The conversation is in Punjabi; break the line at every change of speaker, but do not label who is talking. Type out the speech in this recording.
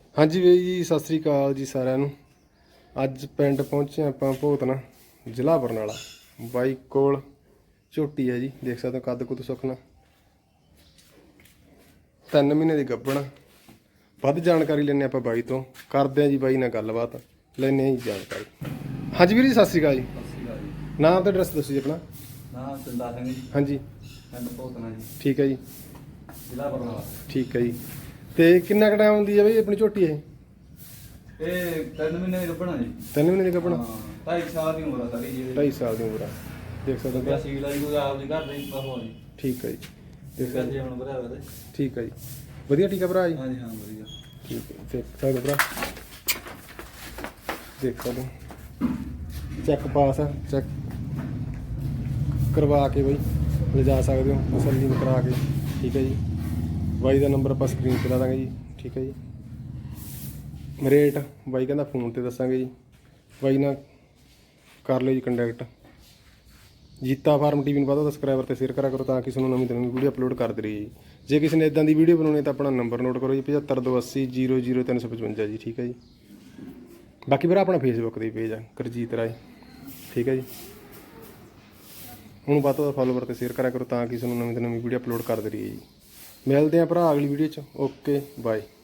ਹਾਂਜੀ ਵੀਰ ਜੀ, ਸਤਿ ਸ੍ਰੀ ਅਕਾਲ ਜੀ ਸਾਰਿਆਂ ਨੂੰ। ਅੱਜ ਪਿੰਡ ਪਹੁੰਚੇ ਆਪਾਂ ਭੋਤਨਾ, ਜ਼ਿਲ੍ਹਾ ਬਰਨਾਲਾ। ਬਾਈ ਕੋਲ ਝੋਟੀ ਹੈ ਜੀ, ਦੇਖ ਸਕਦੇ ਹੋ ਕੱਦ ਕੁੱਦ ਸੁੱਕਣਾ। 3 ਮਹੀਨੇ ਦੀ ਗੱਭਣ। ਵੱਧ ਜਾਣਕਾਰੀ ਲੈਣੇ ਆਪਾਂ ਬਾਈ ਤੋਂ, ਕਰਦੇ ਹਾਂ ਜੀ ਬਾਈ ਨਾਲ ਗੱਲਬਾਤ, ਲੈਣੇ ਹਾਂ ਜੀ ਜਾਣਕਾਰੀ। ਹਾਂਜੀ ਵੀਰ ਜੀ, ਸਤਿ ਸ੍ਰੀ ਅਕਾਲ ਜੀ।
ਸਤਿ ਸ਼੍ਰੀ ਅਕਾਲ ਜੀ।
ਨਾਮ ਤੇ ਐਡਰੈਸ ਦੱਸੋ ਜੀ ਆਪਣਾ।
ਨਾਮ ਚੰਦਾ ਸਿੰਘ ਜੀ,
ਹਾਂਜੀ
ਪਿੰਡ ਭੋਤਨਾ ਜੀ,
ਠੀਕ ਹੈ ਜੀ,
ਜ਼ਿਲ੍ਹਾ ਬਰਨਾਲਾ।
ਠੀਕ ਹੈ ਜੀ। ਤੇ ਕਿੰਨਾ ਕੁ ਟਾਈਮ ਹੁੰਦੀ ਹੈ ਬਈ ਆਪਣੀ ਝੋਟੀ ਇਹ?
ਇਹ 3 ਮਹੀਨੇ ਦੀ ਗੱਭਣਾ ਜੀ।
3 ਮਹੀਨੇ ਦੀ ਗੱਭਣ।
ਹਾਂ, 2.5 ਸਾਲ ਦੀ ਉਮਰ ਆ ਸਾਰੀ ਜੀ।
2.5 ਸਾਲ ਦੀ ਉਮਰ ਆ, ਦੇਖ ਸਕਦੇ
ਵਧੀਆ
ਹੋ।
ਸੀਲ ਆ ਜੀ, ਕੋਈ ਆਪ ਦੀ ਘਰ ਦੇ ਬਹੋ ਜੀ।
ਠੀਕ ਹੈ ਜੀ, ਦੇਖ
ਇਸ
ਸਕਦੇ
ਜੀ ਹੁਣ ਵਧਿਆ ਵਾ ਤੇ।
ਠੀਕ ਹੈ ਜੀ, ਵਧੀਆ ਠੀਕ ਆ ਭਰਾ ਜੀ।
ਹਾਂਜੀ ਹਾਂ, ਵਧੀਆ।
ਠੀਕ ਹੈ, ਦੇਖ ਸਕਦੇ ਭਰਾ, ਦੇਖ ਸਕਦੇ ਚੈੱਕ ਪਾਸ ਆ, ਚੈੱਕ ਕਰਵਾ ਕੇ ਬਈ ਲਿਜਾ ਸਕਦੇ ਹੋ ਤਸੱਲੀ ਕਰਾ ਕੇ। ਠੀਕ ਹੈ ਜੀ, ਬਾਈ ਦਾ ਨੰਬਰ ਆਪਾਂ ਸਕਰੀਨ 'ਤੇ ਲਾ ਦਾਂਗੇ ਜੀ। ਠੀਕ ਹੈ ਜੀ, ਰੇਟ ਬਾਈ ਕਹਿੰਦਾ ਫੋਨ 'ਤੇ ਦੱਸਾਂਗੇ ਜੀ। ਬਾਈ ਨਾਲ ਕਰ ਲਿਓ ਜੀ ਕੰਟੈਕਟ। ਜੀਤਾ ਫਾਰਮ ਟੀਵੀ ਨੂੰ ਵੱਧ ਸਬਸਕ੍ਰਾਈਬਰ ਤੇ ਸ਼ੇਅਰ ਕਰਿਆ ਕਰੋ ਤਾਂ ਕਿ ਤੁਹਾਨੂੰ ਨਵੀਂ ਤੋਂ ਨਵੀਂ ਵੀਡੀਓ ਅਪਲੋਡ ਕਰਦੇ ਰਹੀਏ ਜੀ। ਜੇ ਕਿਸੇ ਨੇ ਇਦਾਂ ਦੀ ਵੀਡੀਓ ਬਣਾਉਣੀ ਤਾਂ ਆਪਣਾ ਨੰਬਰ ਨੋਟ ਕਰੋ ਜੀ, 7528 00355 ਜੀ। ਠੀਕ ਹੈ ਜੀ, ਬਾਕੀ ਵੀਰ ਆਪਣਾ ਫੇਸਬੁੱਕ ਦੇ ਪੇਜ ਆ ਗੁਰਜੀਤ ਰਾਏ। ਠੀਕ ਹੈ ਜੀ, ਹੁਣ ਵੱਧ ਤੋਂ ਵੱਧ ਫੋਲੋਵਰ ਤੇ ਸ਼ੇਅਰ ਕਰਿਆ ਕਰੋ ਤਾਂ ਕਿ ਤੁਹਾਨੂੰ ਨਵੀਂ ਤੋਂ ਨਵੀਂ ਵੀਡੀਓ ਅਪਲੋਡ ਕਰਦੇ ਰਹੀਏ ਜੀ। ਮਿਲਦੇ ਹਾਂ ਭਰਾ ਅਗਲੀ ਵੀਡੀਓ 'ਚ। Okay bye.